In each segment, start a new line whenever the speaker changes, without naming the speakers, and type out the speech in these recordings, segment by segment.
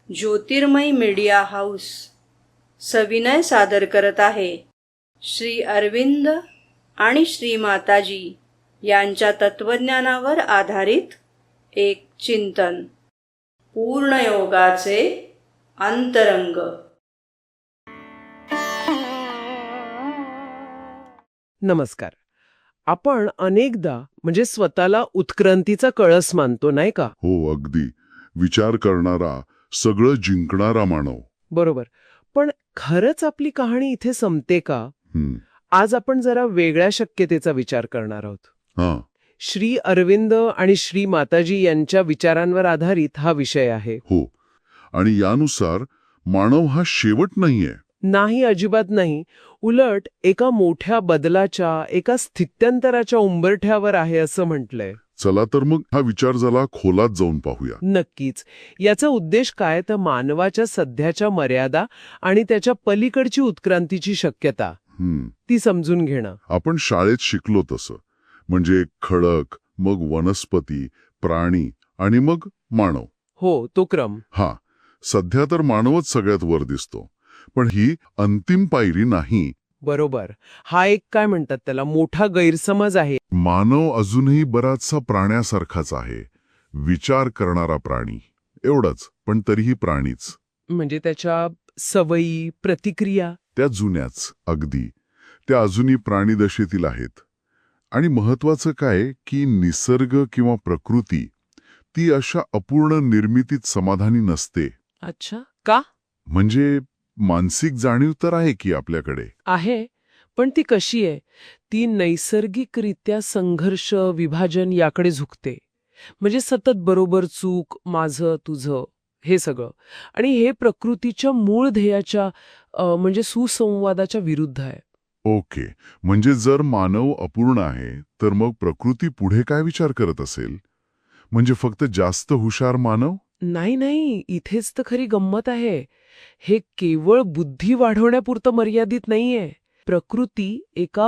ज्योतिर्मय media house सविनय सादर करत आहे श्री अरविंद आणि श्री माताजी यांच्या तत्वज्ञानावर आधारित एक चिंतन, पूर्णयोगाचे अंतरंग.
नमस्कार. आपण अनेकदा म्हणजे स्वतःला उत्क्रांतीचा कळस मानतो, नाही का?
हो, अगदी. विचार करणारा, सगळं जिंकणारा मानव.
बरोबर. पण खरंच आपली कहाणी इथे संपते का? आज आपण जरा वेगळ्या शक्यतेचा विचार करणार आहोत.
हां.
श्री अरविंद आणि श्री माताजी यांच्या विचारांवर आधारित हा विषय आहे.
हो. आणि यानुसार मानव हा शेवट नाहीये.
नाही, अजिबात नाही. उलट एका मोठ्या बदलाच्या, एका स्थित्यंतराच्या उंबरठ्यावर आहे असं म्हटलंय.
चला तर मग हा विचार जरा खोलात जाऊन पाहूया.
नक्कीच. याचा उद्देश काय तर मानवाच्या सध्याच्या मर्यादा आणि त्याच्या पलीकडची उत्क्रांतीची शक्यता ती समजून घेणं.
आपण शाळेत शिकलो तसं, म्हणजे खडक, मग वनस्पती, प्राणी आणि मग मानव.
हो, तो क्रम.
हा, सध्या तर मानवच सगळ्यात वर दिसतो. पण ही अंतिम पायरी नाही.
बरोबर. हा एक काय म्हणतात त्याला मोठा गैरसमज आहे.
मानव अजूनही बराचसा प्राण्यासारखाच आहे. विचार करणारा प्राणी एवढंच, पण तरीही प्राणीच.
म्हणजे त्याच्या सवयी, प्रतिक्रिया
त्या जुन्याच अगदी. त्या अजूनही प्राणीदशेतील आहेत. आणि महत्वाचं काय की निसर्ग किंवा प्रकृती ती अशा अपूर्ण निर्मितीत समाधानी नसते.
अच्छा, का?
म्हणजे मानसिक जाणीव तर आहे की आपल्याकडे
आहे, पण ती कशी आहे? ती नैसर्गिकरित्या संघर्ष, विभाजन याकडे झुकते. म्हणजे सतत बरोबर, चूक, माझं, तुझं, हे सगळं. आणि हे प्रकृतीच्या मूळ ध्येयाच्या म्हणजे सुसंवादाच्या विरुद्ध आहे.
ओके. म्हणजे जर मानव अपूर्ण आहे तर मग प्रकृती पुढे काय विचार करत असेल? म्हणजे फक्त जास्त हुशार मानव?
नाही, इथेच तर खरी गंमत आहे. हे केवळ बुद्धी वाढवण्यापुरतं मर्यादित नाहीये. प्रकृती एका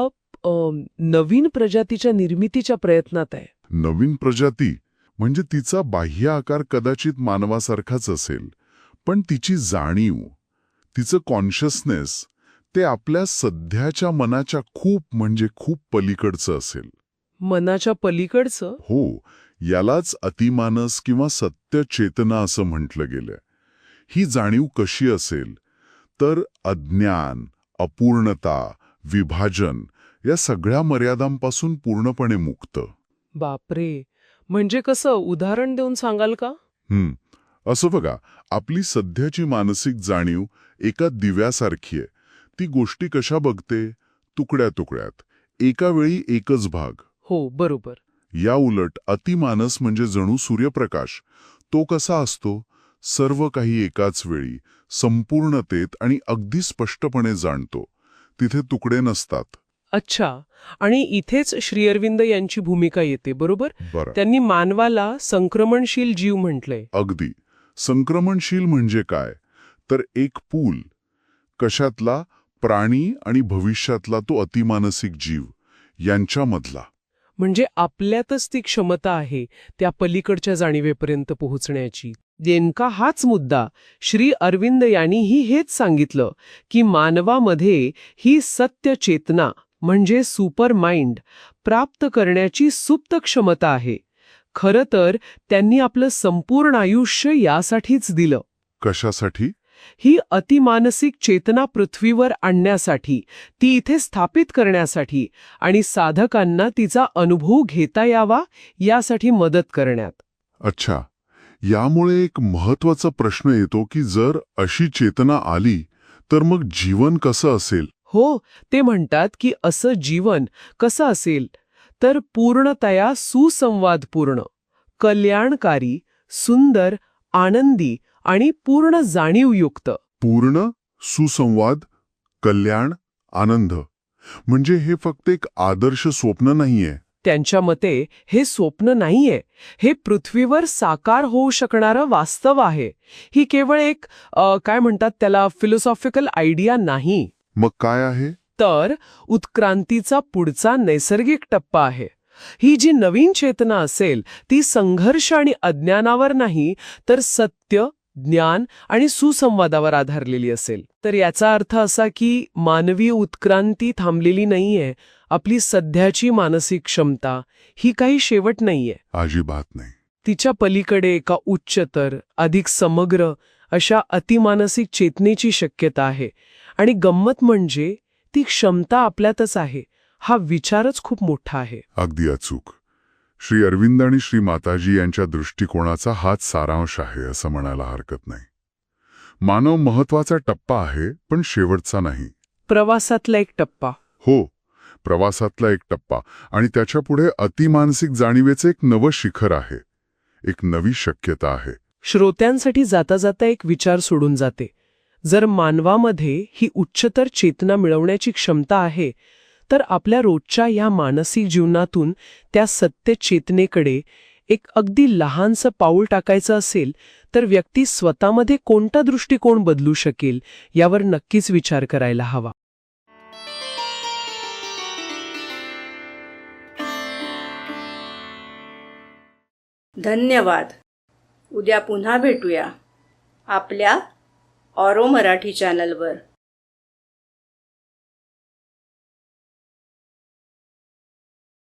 नवीन प्रजातीच्या निर्मितीच्या प्रयत्नात आहे.
नवीन प्रजाती म्हणजे तिचा बाह्य आकार कदाचित मानवासारखाच असेल, पण तिची जाणीव, तिचं कॉन्शियसनेस ते आपल्या सध्याच्या मनाच्या खूप पलीकडचं असेल.
मनाच्या पलीकडचं?
हो, यालाच अतिमानस किंवा सत्य चेतना असं म्हटलं गेलंय. ही जाणीव कशी असेल तर अज्ञान, अपूर्णता, विभाजन या सगळ्या मर्यादांपासून पूर्णपणे मुक्त.
बापरे, म्हणजे कसं? उदाहरण देऊन सांगाल का?
असं बघा, आपली सध्याची मानसिक जाणीव एका दिव्यासारखी आहे. ती गोष्टी कशा बघते? तुकड्या तुकड्यात, एका वेळी एकच भाग.
हो, बरोबर.
या उलट अतिमानस म्हणजे जणू सूर्यप्रकाश. तो कसा असतो? सर्व काही एकाच वेळी, संपूर्णतेत आणि अगदी स्पष्टपणे जाणतो. तिथे तुकडे नसतात.
अच्छा, आणि इथेच श्री अरविंद यांची भूमिका येते, बरोबर?
बरं.
त्यांनी मानवाला संक्रमणशील जीव म्हटलंय.
अगदी. संक्रमणशील म्हणजे काय? तर एक पूल. कशातला? प्राणी आणि भविष्यातला तो अतिमानसिक जीव यांच्यामधला.
म्हणजे आपल्यातच ती क्षमता आहे त्या पलीकडच्या जाणीवेपर्यंत पोहोचण्याची. नेमका हाच मुद्दा श्री अरविंद यांनीही हेच सांगितलं की मानवामध्ये ही सत्य चेतना म्हणजे सुपर माइंड प्राप्त करण्याची सुप्त क्षमता आहे. खरं तर त्यांनी आपलं संपूर्ण आयुष्य यासाठीच दिलं.
कशासाठी?
ही अतिमानसिक चेतना पृथ्वीवर आणण्यासाठी, ती इथे स्थापित करण्यासाठी आणि साधकांना तिचा अनुभव घेता यावा यासाठी मदत करण्यात.
अच्छा. यामुळे एक महत्वाचा प्रश्न येतो की जर अशी चेतना आली तर मग जीवन कसं असेल?
हो, ते म्हणतात की असं जीवन कसं असेल तर पूर्णतया सुसंवादपूर्ण, कल्याणकारी, सुंदर, आनंदी आणि पूर्ण जाणीवयुक्त.
पूर्ण, सुसंवाद, कल्याण, आनंद. म्हणजे हे फक्त एक आदर्श स्वप्न नाहीये.
त्यांच्या मते हे स्वप्न नाहीये, हे पृथ्वीवर साकार होऊ शकणारं वास्तव आहे. ही केवळ एक काय म्हणतात त्याला फिलॉसॉफिकल आयडिया नाही.
मग काय आहे?
तर उत्क्रांतीचा पुढचा नैसर्गिक टप्पा आहे. ही जी नवीन चेतना असेल ती संघर्ष आणि अज्ञानावर नाही तर सत्य, ज्ञान आणि सुसंवादावर आधारलेली असेल. तर याचा अर्थ असा की मानवी उत्क्रांती थांबलेली नाहीये. आपली सध्याची मानसिक क्षमता ही काही शेवट नाहीये.
अजिबात नाही.
तिच्या पलीकडे एका उच्चतर, अधिक समग्र अशा अतिमानसिक चेतनेची शक्यता आहे. आणि गंमत म्हणजे ती क्षमता आपल्यातच आहे. हा विचारच खूप मोठा आहे.
अगदी अचूक. श्री अरविंद आणि श्री माताजी यांच्या दृष्टिकोनाचा हाच सारांश आहे असं म्हणायला हरकत नाही. मानव महत्वाचा टप्पा आहे, पण शेवटचा नाही.
प्रवासातला एक टप्पा.
हो, प्रवासातला एक टप्पा. आणि त्याच्यापुढे अतिमानसिक जाणीवेचे एक नवं शिखर आहे. एक नवी शक्यता आहे.
श्रोत्यांसाठी जाता जाता एक विचार सोडून जाते. जर मानवामध्ये ही उच्चतर चेतना मिळवण्याची क्षमता आहे, तर आपल्या रोजच्या ह्या मानसिक जीवनातून त्या सत्य चेतनेकडे एक अगदी लहानसं पाऊल टाकायचं असेल, तर व्यक्ती स्वतःमध्ये कोणता दृष्टिकोन बदलू शकेल यावर नक्कीच विचार करायला हवा.
धन्यवाद. उद्या पुन्हा भेटूया आपल्या ऑरो मराठी चॅनलवर.